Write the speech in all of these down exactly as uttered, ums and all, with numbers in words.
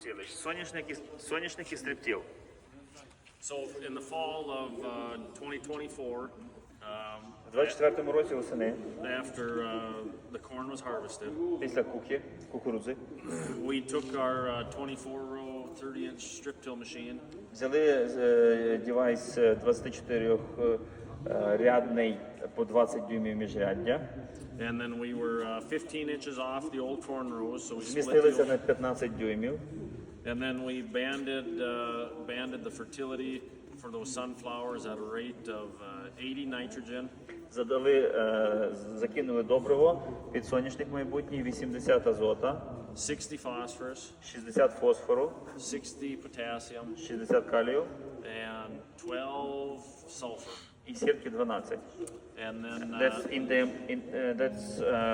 Соняшник і, соняшник і стриптіл. So in the fall of uh, twenty twenty-four, um, У двадцять четвертому році восени, after uh, the corn was harvested, після куки, кукурудзи, we took our uh, twenty-four row thirty inch strip till machine взяли е, девайс двадцятичотирьохрядний по двадцять дюймів міжряддя, and then we were uh, fifteen inches off the old corn rows, so we split змістилися the на п'ятнадцять дюймів, and then we banded uh, banded the fertility for those sunflowers at a rate of uh, eighty nitrogen, задали, е, закинули добриво під соняшник майбутній, вісімдесят азота, sixty phosphorus, шістдесят фосфору, sixty potassium, шістдесят калію and twelve sulfur. і сірки дванадцять. And then That's uh, in the in, uh, that's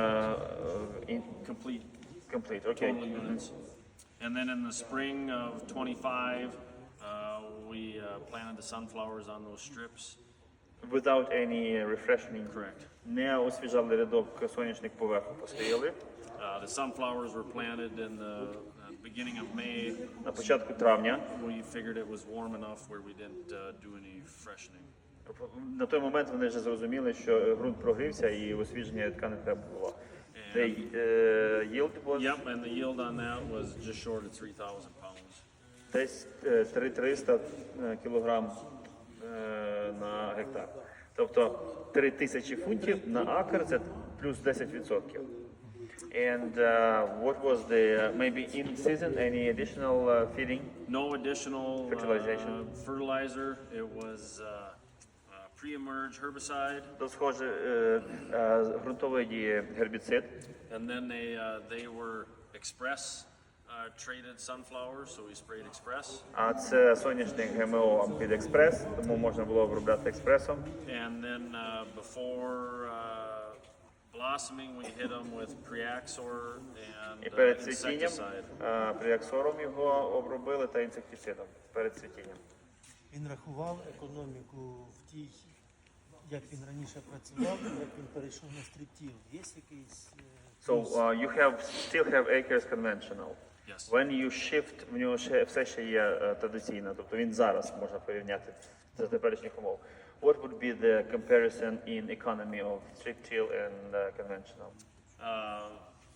uh, in complete complete. Okay. total units. And then in the spring of twenty-five, uh, we uh, planted the sunflowers on those strips. Without any refreshing. Correct. Не освіжали рядок, соняшник поверху постояли. Uh, the sunflowers were planted in the uh, beginning of May. На початку травня. We figured it was warm enough where we didn't uh, do any freshening. На той момент вони вже зрозуміли, що ґрунт прогрівся і освіження рядка не треба було. The uh, yield was Yep, and the yield on that was just short of three thousand pounds. десь е, три тисячі триста е, кілограм е, на гектар. Тобто три тисячі фунтів на акр – це плюс десять відсотків. And uh, what was the, uh, maybe in season, any additional uh, feeding? No additional Fertilization. uh, fertilizer. It was uh, uh, pre-emerge herbicide. То схоже, е, е, ґрунтової дії гербіцид. And then they uh, they were express uh, traded sunflowers, so we sprayed express. А це соняшник ГМО під експрес, тому можна було обробляти експресом. And then uh, before uh, blossoming, we hit them with Preaxor І and uh, перед цвітінням insecticide. е, приаксором його обробили та інсектицидом перед цвітінням. Він рахував економіку в тій, як він раніше працював, як він перейшов на стриптіл. Є якийсь е, So плюс? uh, you have still have acres conventional. Yes. When you shift, в нього ще все ще є е, традиційно, тобто він зараз можна порівняти за теперішніх умов. What would be the comparison in economy of strip till and uh, conventional? Uh,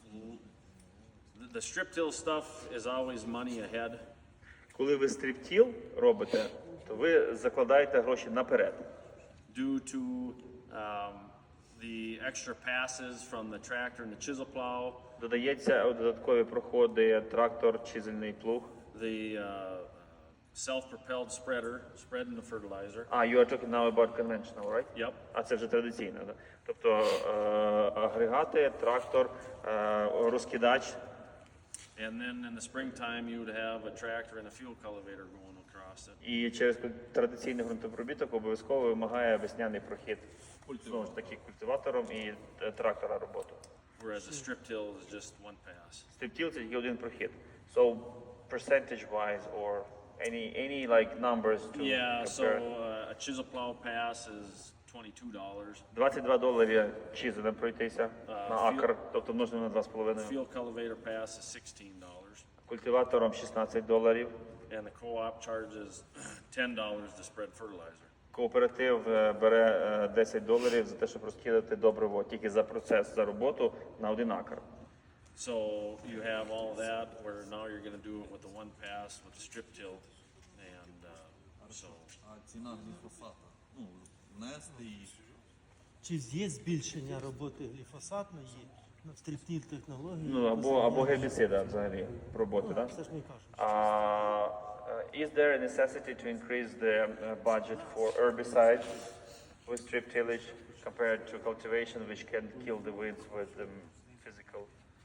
the- the strip till stuff is always money ahead. Коли ви стриптіл робите, то ви закладаєте гроші наперед. Due to um, the extra passes from the tractor and the chisel plow, Додається додаткові проходи трактор, чизельний плуг. the uh, self-propelled spreader, spreading the fertilizer. А, you are talking now about conventional, right? Yep. А це вже традиційно, да? Тобто е, агрегати, трактор, е, розкидач. And then in the springtime, you would have a tractor and a fuel cultivator going across it. І через традиційний ґрунтопробіток обов'язково вимагає весняний прохід. Знову ж таки, культиватором і е, трактора роботу. Whereas a strip till is just one pass. Стриптіл – це тільки один прохід. So, percentage-wise or any, any like numbers to Yeah, so compare? uh, a chisel plow pass is twenty-two dollars. двадцять два доларі чизелем пройтися на філ- акр, тобто множимо на два з половиною. Fuel cultivator pass is sixteen dollars. Культиватором шістнадцять доларів. And the co-op charges ten dollars to spread fertilizer. Кооператив е, бере е, десять доларів за те, щоб розкидати добриво тільки за процес, за роботу на один акр. So you have all of that where now you're going to do it with the one pass with the strip till. And uh, so А ціна гліфосата, ну, внести її. Чи є збільшення роботи гліфосатної на стриптіл технології? Ну, або, або гербіцида взагалі роботи, так? Це ж не кажуть. Uh, uh, is there a necessity to increase the uh, budget for herbicide with strip tillage compared to cultivation, which can kill the weeds with the physical?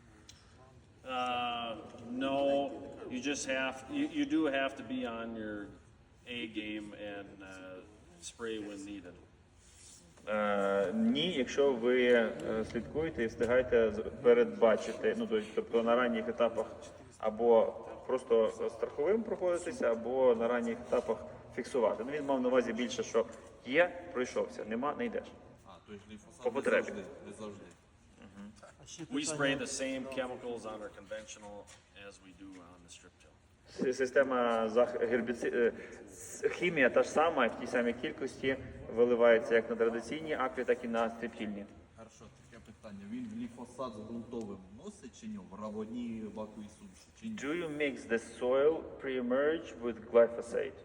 uh, no, you just have, you, you do have to be on your A game and uh, spray when needed. Е, ні, якщо ви е, слідкуєте і встигаєте з- передбачити, ну то- тобто на ранніх етапах або просто страховим проходитися, або на ранніх етапах фіксувати. Ну він мав на увазі більше, що є, пройшовся, нема, не йдеш. А, то є гліфосат По не потребі. завжди, не завжди. А ще We питання- spray the same chemicals on our conventional as we do on the strip till. С- Система зах... гербіци... е, с- хімія та ж сама, в тій самій кількості виливається як на традиційні акві, так і на стріптільні. Хорошо, таке питання. Він гліфосат з ґрунтовим вносить чи ні? В равоні ваковій суміші? Чи ні? Do you mix the soil pre-emerge with glyphosate?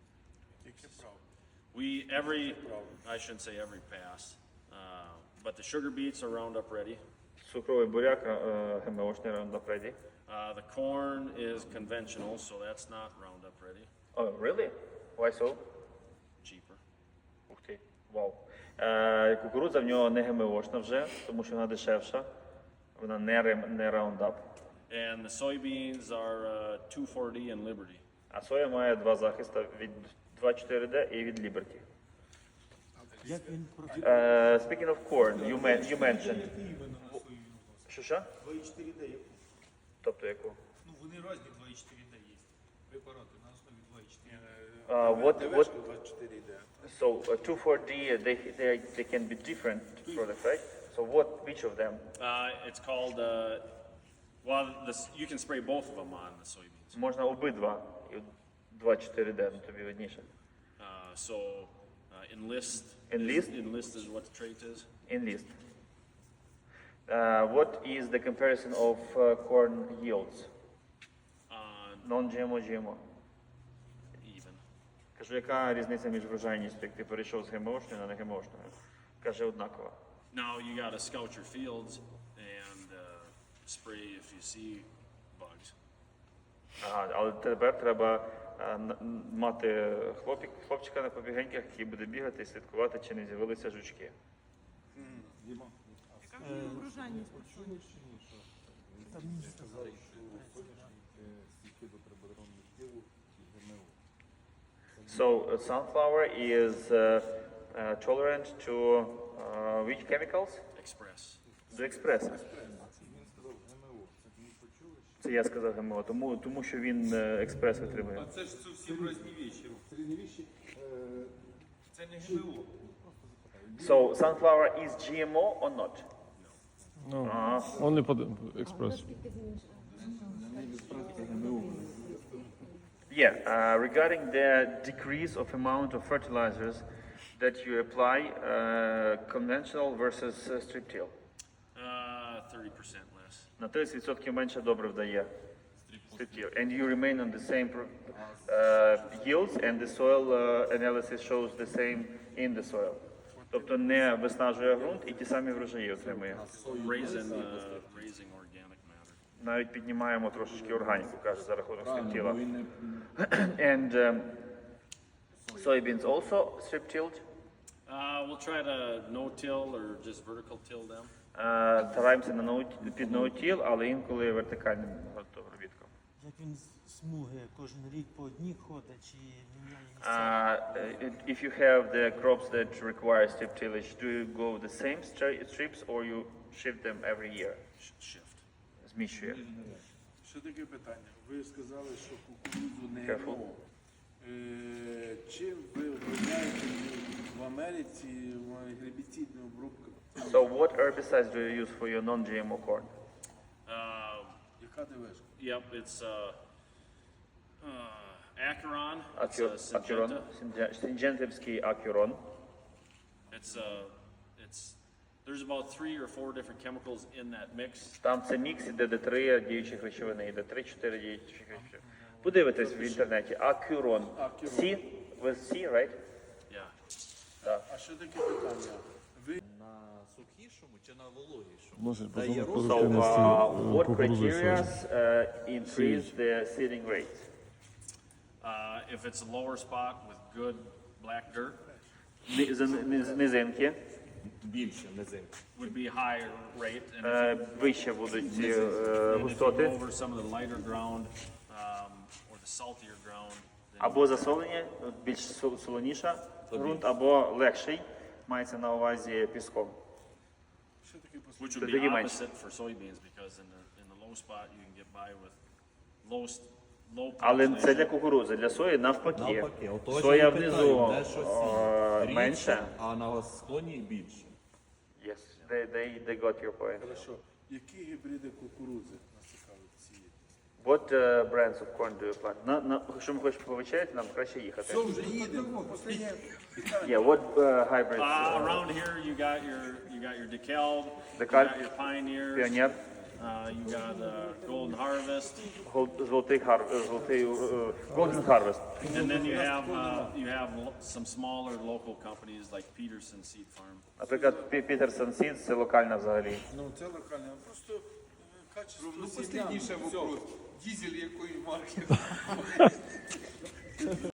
We every I shouldn't say every pass, uh, but the sugar beets are Roundup ready. Цукровий буряк, е, ГМОшний Roundup Ready. Uh, the corn is conventional, so that's not Roundup ready. Oh, really? Why so? Cheaper. Ух ти, вау. Е, кукурудза в нього не ГМОшна вже, тому що вона дешевша. Вона не, рем- не Roundup. And the soybeans are uh, two four D and Liberty. А соя має два захисти від два чотири ді і від Liberty. Як він проти... Е, speaking of corn, you, men- you mentioned. Що що? два і чотири ді. Тобто яку? Ну, вони різні два і чотири ді є. Препарати на основі два і чотири. Uh, what, what, два і чотири ді. so uh, two four D, they, they, they can be different products, right? So what, which of them? Uh, it's called, uh, well, this, you can spray both of them on the soybeans. Можна обидва. І два чотири ді, ну тобі видніше. Uh, so uh, enlist. Enlist? Is, enlist is what the trait is. Enlist. Uh, what is the comparison of uh, corn yields? On Non-G M O, G M O. even. Кажу, яка різниця між врожайністю, як ти перейшов з ГМОшною на не ГМОшною? Каже, однакова. Now you got to scout your fields and uh, spray if you see bugs. Ага, але тепер треба е, н- н- мати хлопік, хлопчика на побігеньках, який буде бігати і слідкувати, чи не з'явилися жучки. Врожайність. Там мені сказали, So uh, sunflower is uh, uh, tolerant to uh, which chemicals? Express. До експреса. Це я сказав ГМО, тому, тому що він е, експрес витримує. Це ж зовсім різні вещі. Різні вещі. Це не ГМО. So sunflower is G M O or not? No, only pod express. Yeah, uh, regarding the decrease of amount of fertilizers that you apply, uh, conventional versus uh, strip till. Uh, thirty percent less. На тридцять відсотків менше добрив дає strip till. And you remain on the same pro- uh, yields and the soil uh, analysis shows the same in the soil. Тобто не виснажує ґрунт і ті самі врожаї отримує. Raising, uh, raising organic matter. Навіть піднімаємо трошечки органіку, каже, за рахунок strip тіла. Бо він не And um, soybeans also strip tilled. Uh, we'll try to no-till or just vertical till them. Е, Стараємося на ноут- під ноутіл, але інколи вертикальним обробітком. як він з смуги кожен рік по одній ходить, чи міняє місця. Uh, if you have the crops that require strip tillage, do you go the same stri- strips or you shift them every year? Sh- Shift. Зміщує. Що таке питання? Ви сказали, що кукурудзу не Careful. ГМО. Е, Чим ви обробляєте в Америці гербіцидну обробку? So what herbicides do you use for your non-G M O corn? Uh, Яка ДВшка? yep, it's uh, uh, Acheron. It's Acur- uh, Acuron, Syngenta. Synge- Syngentevський Acuron. It's uh, it's there's about three or four different chemicals in that mix. Там це мікс, іде де три діючих речовини, іде три-чотири діючих речовини. Подивитесь в інтернеті. Acuron. C, with C, right? Yeah. А що таке питання? Ви на сухішому чи на вологішому? Вносить Дає по рост. So, продуктивності uh, what кукурудзи і criteria сої. uh, increase the seeding rate? Uh, if it's a lower spot with good black dirt, Ни- з- низ- Низинки Більше низинки. would be higher rate. And if, е, вище будуть ці е, and if you густоти. go over some of the lighter ground um, or the saltier ground, then Або засолені, більш сол- солоніша ґрунт, або легший, мається на увазі піском. що таке послухайте? which would Тоді be менше. opposite for soybeans because in the in the low spot you can get by with low st- low Але це population. для кукурудзи, для сої навпаки. Навпаки, отож Соя я внизу питаю, де щось е, рідше, менше. а на склоні більше. Yes, they, they, they got your point. Хорошо. Які гібриди кукурудзи нас цікавить цієї? What uh, brands of corn do you plant? На, на, якщо ми хочемо повечеряти, нам краще їхати. Все, вже їдемо. Останнє Yeah, what uh, hybrids? Uh, Uh, around here, you got your you got your DeKalb, DeKalb, you got your Pioneers, Pioneer, uh, you got uh, Golden Harvest, Гол- золотий хар, е, золотий е, Golden Harvest. and then you have uh, you have lo- some smaller local companies like Peterson Seed Farm. Наприклад, Пі- Peterson Seeds, це локальна взагалі. Ну, це локальне, а просто е, качество. Ну, останніше вопрос. Дізель якої марки?